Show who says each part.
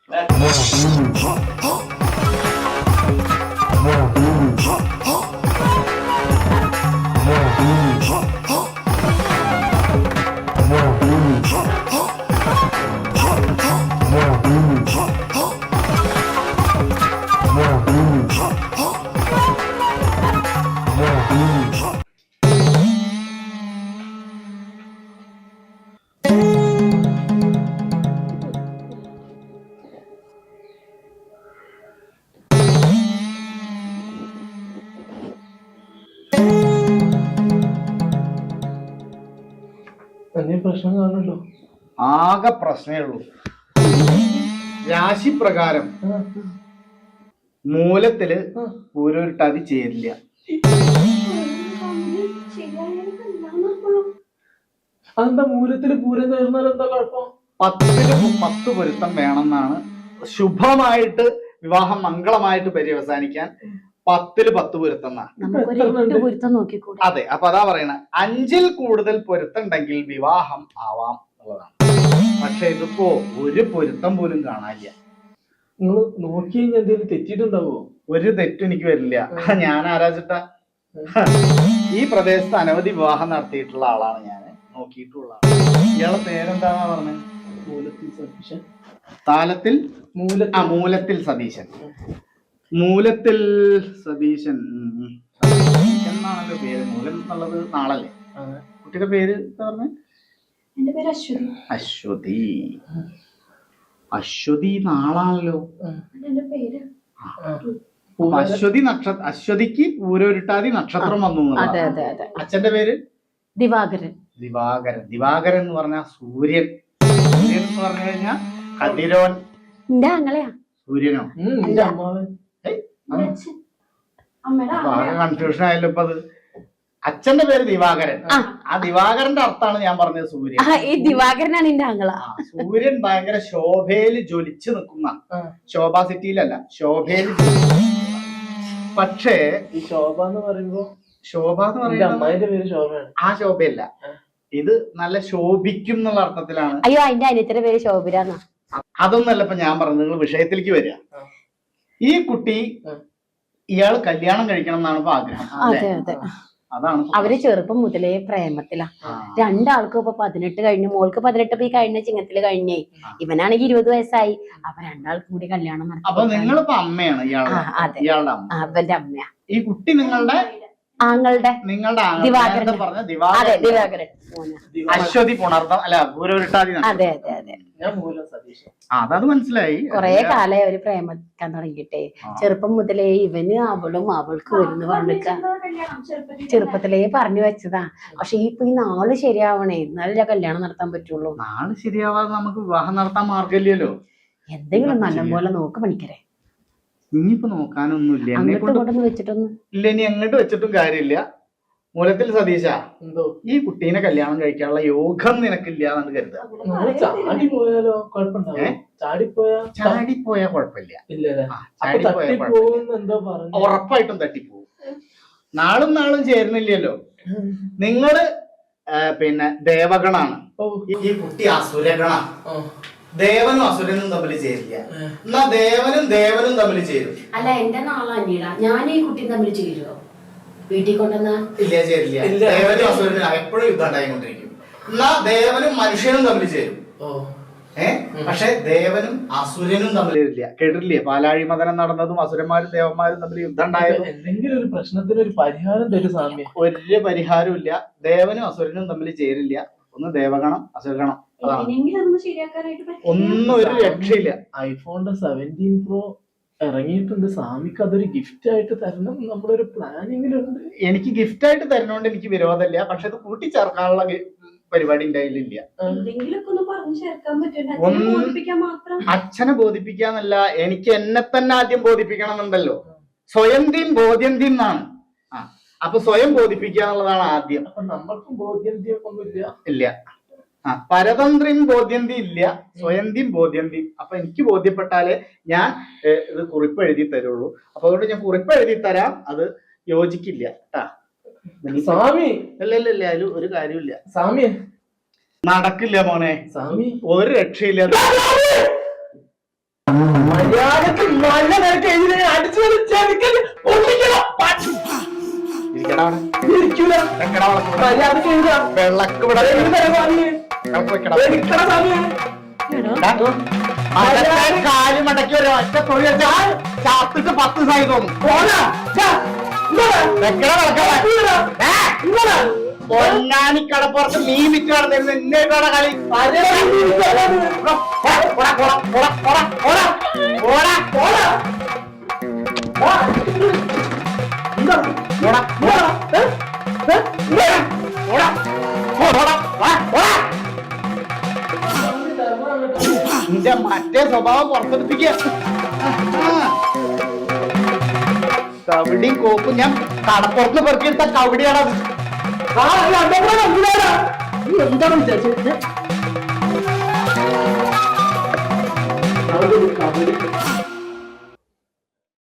Speaker 1: പ്രശ്നം കാണുമല്ലോ.
Speaker 2: ആകെ പ്രശ്നമേ ഉള്ളൂ. രാശി പ്രകാരം മൂലത്തില് പൂരൊരുട്ടാതി ചേരില്ല.
Speaker 1: അതെന്താ മൂലത്തില് പൂരം ചേർന്നാൽ എന്താ കുഴപ്പം?
Speaker 2: 10 പൊരുത്തം വേണമെന്നാണ് ശുഭമായിട്ട് വിവാഹം മംഗളമായിട്ട് പര്യവസാനിക്കാൻ. 10 പൊരുത്തം. അതെ, അപ്പൊ അതാ പറയണ 5 കൂടുതൽ പൊരുത്തം ഉണ്ടെങ്കിൽ വിവാഹം ആവാം എന്നുള്ളതാണ്. പക്ഷെ ഇതിപ്പോ ഒരു പൊരുത്തം പോലും കാണാനില്ല.
Speaker 1: നിങ്ങൾ നോക്കി കഴിഞ്ഞാൽ എന്തെങ്കിലും തെറ്റിയിട്ടുണ്ടാവോ?
Speaker 2: ഒരു തെറ്റും എനിക്ക് വരില്ല. ഞാൻ ആരാച്ചിട്ട ഈ പ്രദേശത്ത് അനവധി വിവാഹം നടത്തിയിട്ടുള്ള ആളാണ് ഞാൻ, നോക്കിയിട്ടുള്ള ആളാണ്. ഇയാളെ പേരെന്താന്നാ പറഞ്ഞത്?
Speaker 1: മൂലത്തിൽ സതീശൻ.
Speaker 2: മൂലത്തിൽ സതീശൻ. മൂലത്തിൽ സതീശൻ എന്നാണല്ലോ പേര്. മൂലം എന്നുള്ളത് നാളല്ലേ? കുട്ടിയുടെ പേര് എന്താ പറഞ്ഞത്? അശ്വതി. അശ്വതി നാളാണല്ലോ. അശ്വതി നക്ഷത്രം. അശ്വതിക്ക് പൂരൊരുട്ടാതി നക്ഷത്രം വന്നു. അച്ഛന്റെ പേര്
Speaker 3: ദിവാകരൻ.
Speaker 2: ദിവാകരൻ എന്ന് പറഞ്ഞാൽ സൂര്യൻ. സൂര്യൻ എന്ന് പറഞ്ഞു കഴിഞ്ഞാൽ കതിരോൻ. സൂര്യനോ? ആകെ കൺഫ്യൂഷൻ ആയല്ലോ ഇപ്പൊ. അത് അച്ഛന്റെ പേര് ദിവാകരൻ. ആ ദിവാകരന്റെ അർത്ഥമാണ് ഞാൻ പറഞ്ഞത് സൂര്യൻ.
Speaker 3: ഈ ദിവാകരനാണ് എന്റെ ആങ്ങള.
Speaker 2: സൂര്യൻ ഭയങ്കര ശോഭയില് ജ്വലിച്ചു നിൽക്കുന്ന, ശോഭാ സിറ്റിയിലല്ല, ശോഭയില്. പക്ഷേ
Speaker 1: ഈ ശോഭ എന്ന് പറയുമ്പോ
Speaker 2: അമ്മായിന്റെ
Speaker 1: പേര് ശോഭയാണ്.
Speaker 2: ആ ശോഭയല്ല, ഇത് നല്ല ശോഭിക്കും എന്നുള്ള അർത്ഥത്തിലാണ്.
Speaker 3: അയ്യോ, അതിന്റെ അനിയത്തിന്റെ പേര് ശോഭിരാന്ന.
Speaker 2: അതൊന്നല്ല ഇപ്പൊ ഞാൻ പറഞ്ഞത്. നിങ്ങൾ വിഷയത്തിലേക്ക് വരിക. ഈ കുട്ടി ഇയാള് കല്യാണം കഴിക്കണം എന്നാണ് ഇപ്പൊ ആഗ്രഹം.
Speaker 3: അതെ അതെ,
Speaker 2: അതാണ്.
Speaker 3: അവര് ചെറുപ്പം മുതലേ പ്രേമത്തിലാ. രണ്ടാൾക്കും ഇപ്പൊ 18 കഴിഞ്ഞു. മോൾക്ക് 18 ഈ കഴിഞ്ഞ ചിങ്ങത്തില് കഴിഞ്ഞേ. ഇവനാണെങ്കിൽ 20 വയസ്സായി. അപ്പൊ രണ്ടാൾക്കും കൂടി കല്യാണം നടത്തി.
Speaker 2: അപ്പൊ നിങ്ങളിപ്പോ അമ്മയാണ് ഇയാളുടെ അമ്മ.
Speaker 3: അവന്റെ അമ്മയാ.
Speaker 2: ഈ കുട്ടി നിങ്ങളുടെ നിങ്ങളുടെ
Speaker 3: ദിവാകരൻ.
Speaker 2: അശ്വതി പുണർത്തം അല്ല, പൂരൊരുട്ടാതി.
Speaker 3: അതെ അതെ അതെ,
Speaker 2: അതത് മനസ്സിലായി.
Speaker 3: കൊറേ കാലം അവര് പ്രേമിക്കാൻ തുടങ്ങിയിട്ടേ. ചെറുപ്പം മുതലേ ഇവന് അവളും അവൾക്ക് വരുന്ന പറഞ്ഞിക്ക ചെറുപ്പത്തിലേ പറഞ്ഞു വെച്ചതാ. പക്ഷെ ഇപ്പൊ ഈ നാള് ശരിയാവണേ, എന്നാലേ കല്യാണം നടത്താൻ പറ്റുള്ളൂ.
Speaker 2: നാള് ശരിയാവാതെ നമുക്ക് വിവാഹം നടത്താൻ മാർഗമില്ലല്ലോ.
Speaker 3: എന്തെങ്കിലും നല്ലപോലെ നോക്ക് പണിക്കരെ.
Speaker 2: ഇനിയിപ്പോ നോക്കാനൊന്നുമില്ല. ഇല്ല, ഇനി എങ്ങോട്ട് വെച്ചിട്ടും കാര്യമില്ല. മൂലത്തിൽ സതീശ, ഈ കുട്ടീനെ കല്യാണം കഴിക്കാനുള്ള യോഗം നിനക്കില്ല എന്നാണ് കരുതുക. ചാടിപ്പോയാ കുഴപ്പമില്ല. ഉറപ്പായിട്ടും തട്ടിപ്പോവും. നാളും ചേരുന്നില്ലല്ലോ. നിങ്ങള് പിന്നെ ദേവഗണാണ്, ഈ കുട്ടി അസുരഗണ. ദേവനും അസുരനും തമ്മിൽ ചേരില്ല. എന്നാ ദേവനും തമ്മിൽ ചേരും.
Speaker 3: അല്ല, എന്റെ നാളാ ഞാൻ ഈ കുട്ടി തമ്മിൽ ചേരുവോ? വീട്ടിൽ കൊണ്ടുവന്ന
Speaker 2: ഇല്ല, ചേരില്ല. ദേവനും അസുരനും എപ്പോഴും യുദ്ധം ഉണ്ടായിക്കൊണ്ടിരിക്കും. എന്നാ ദേവനും മനുഷ്യനും തമ്മിൽ ചേരും. പക്ഷെ ദേവനും അസുരനും തമ്മിൽ ചേരില്ല. കേട്ടിട്ടില്ലേ പാലാഴി മദനം നടന്നതും അസുരന്മാരും ദേവന്മാരും തമ്മിൽ യുദ്ധം ഉണ്ടായതും?
Speaker 1: എന്തെങ്കിലും ഒരു പ്രശ്നത്തിന് ഒരു പരിഹാരം തരും സ്വാമി.
Speaker 2: ഒരു പരിഹാരവും ഇല്ല. ദേവനും അസുരനും തമ്മിൽ ചേരില്ല. ഒന്ന് ദേവഗണം, അസുരഗണം. ഒന്നും ഒരു രക്ഷയില്ല.
Speaker 1: ഐഫോണിന്റെ 17 Pro ഇറങ്ങിയിട്ടുണ്ട്. സ്വാമിക്ക് അതൊരു ഗിഫ്റ്റ് ആയിട്ട് തരണം നമ്മളൊരു പ്ലാനിങ്ങിലുണ്ട്.
Speaker 2: എനിക്ക് ഗിഫ്റ്റ് ആയിട്ട് തരുന്നോണ്ട് എനിക്ക് വിരോധമില്ല. പക്ഷെ അത് കൂട്ടിച്ചേർക്കാനുള്ള പരിപാടി എന്റെ കയ്യിലില്ല. അച്ഛനെ ബോധിപ്പിക്കാന്നല്ല, എനിക്ക് എന്നെ തന്നെ ആദ്യം ബോധിപ്പിക്കണം എന്നുണ്ടല്ലോ. സ്വയംതീം ബോധ്യന്തീം എന്നാണ്. അപ്പൊ സ്വയം ബോധിപ്പിക്കുക എന്നുള്ളതാണ് ആദ്യം.
Speaker 1: അപ്പൊ നമ്മൾക്കും ബോധ്യന്തീം ഒന്നുമില്ല.
Speaker 2: ഇല്ല. പരതന്ത്രം ബോധ്യന്തി ഇല്ല, സ്വയന്തിയും ബോധ്യന്തി. അപ്പൊ എനിക്ക് ബോധ്യപ്പെട്ടാലേ ഞാൻ ഇത് കുറിപ്പ് എഴുതി തരുള്ളൂ. അപ്പൊ അതുകൊണ്ട് ഞാൻ കുറിപ്പ് എഴുതി തരാം. അത് യോജിക്കില്ല കേട്ടാ
Speaker 1: സ്വാമി.
Speaker 2: ഇല്ല, അതിൽ ഒരു കാര്യമില്ല
Speaker 1: സ്വാമി.
Speaker 2: നടക്കില്ല മോനെ,
Speaker 1: സ്വാമി.
Speaker 2: ഒരു രക്ഷയില്ല.
Speaker 1: മര്യാദക്ക് നല്ല നിരക്ക് എഴുതി അടിച്ചു
Speaker 2: ഇരിക്കടാ അവിടെ.
Speaker 1: ഇരിക്കൂല.
Speaker 2: വെക്കടാ വിളക്ക് ഇവിടെ.
Speaker 1: മര്യാദക്ക് എഴുതാം.
Speaker 2: വിളക്ക് ഇവിടെ. വിളക്ക് വെക്കടാ.
Speaker 1: എനിക്കട സമയം.
Speaker 2: അതൊക്കെ കാല് മടക്കി ഒരു ഒറ്റ തൊഴിൽ വെച്ചാൽ ചാത്തിട്ട് 10 ദിവസമായി തോന്നും.
Speaker 1: പോടാ. ഛ, ഇങ്ങോട്ട്.
Speaker 2: വെക്കടാ വിളക്ക് ഇവിടെ.
Speaker 1: ഇങ്ങോട്ട്.
Speaker 2: പൊന്നാനി കടപ്പുറത്ത് മീൻ വിറ്റ് നടന്നിരുന്നു എന്നേക്കാണ് കളി. നിന്റെ മറ്റേ സ്വഭാവം പുറത്തെടുപ്പിക്കുക. കവിടിയും കോപ്പും ഞാൻ കടപ്പുറത്ത് പെറുക്കിയെടുത്ത കവിടിയാണത്.
Speaker 1: എന്താണ് വിചാരിച്ചത്?